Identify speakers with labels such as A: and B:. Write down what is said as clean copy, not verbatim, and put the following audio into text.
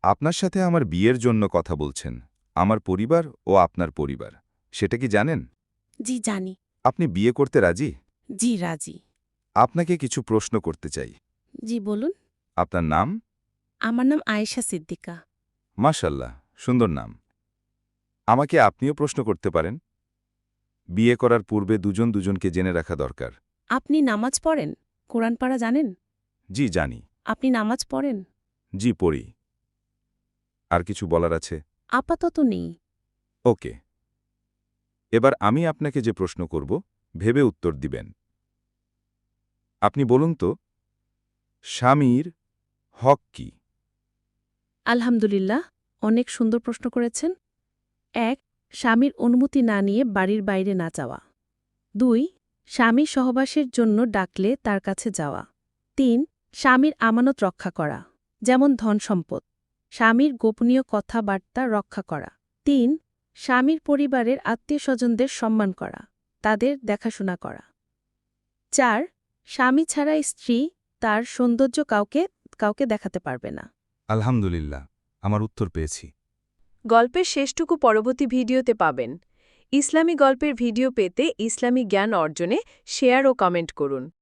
A: আপনার সাথে আমার বিয়ের জন্য কথা বলছেন আমার পরিবার ও আপনার পরিবার সেটা কি জানেন?
B: জি জানি।
A: আপনি বিয়ে করতে রাজি?
B: জি রাজি।
A: আপনাকে কিছু প্রশ্ন করতে চাই।
B: জি বলুন।
A: আপনার নাম?
B: আমার নাম আয়েশা সিদ্দিকা।
A: মাশাল্লাহ, সুন্দর নাম। আমাকে আপনিও প্রশ্ন করতে পারেন। বিয়ে করার পূর্বে দুজন দুজনকে জেনে রাখা দরকার।
B: আপনি নামাজ পড়েন? কোরআন পাড়া জানেন?
A: জি জানি।
B: আপনি নামাজ পড়েন?
A: জি পড়ি। আর কিছু বলার আছে?
B: আপাতত নেই।
A: ওকে। এবার আমি আপনাকে যে প্রশ্ন করব ভেবে উত্তর দিবেন। আপনি বলুন তো, স্বামীর হক কি?
B: আলহামদুলিল্লাহ, অনেক সুন্দর প্রশ্ন করেছেন। ১. স্বামীর অনুমতি না নিয়ে বাড়ির বাইরে না যাওয়া। ২. স্বামী সহবাসের জন্য ডাকলে তার কাছে যাওয়া। ৩. স্বামীর আমানত রক্ষা করা, যেমন ধনসম্পদ। স্বামীর গোপনীয় কথাবার্তা রক্ষা করা। ৩. স্বামীর পরিবারের আত্মীয়স্বজনদের সম্মান করা, তাদের দেখাশোনা করা। ৪. স্বামী ছাড়া স্ত্রী তার সৌন্দর্য কাউকে দেখাতে পারবে না।
A: আলহামদুলিল্লাহ, আমার উত্তর পেয়েছি।
C: গল্পের শেষটুকু পরবর্তী ভিডিওতে পাবেন। ইসলামী গল্পের ভিডিও পেতে ইসলামী জ্ঞান অর্জনে শেয়ার ও কমেন্ট করুন।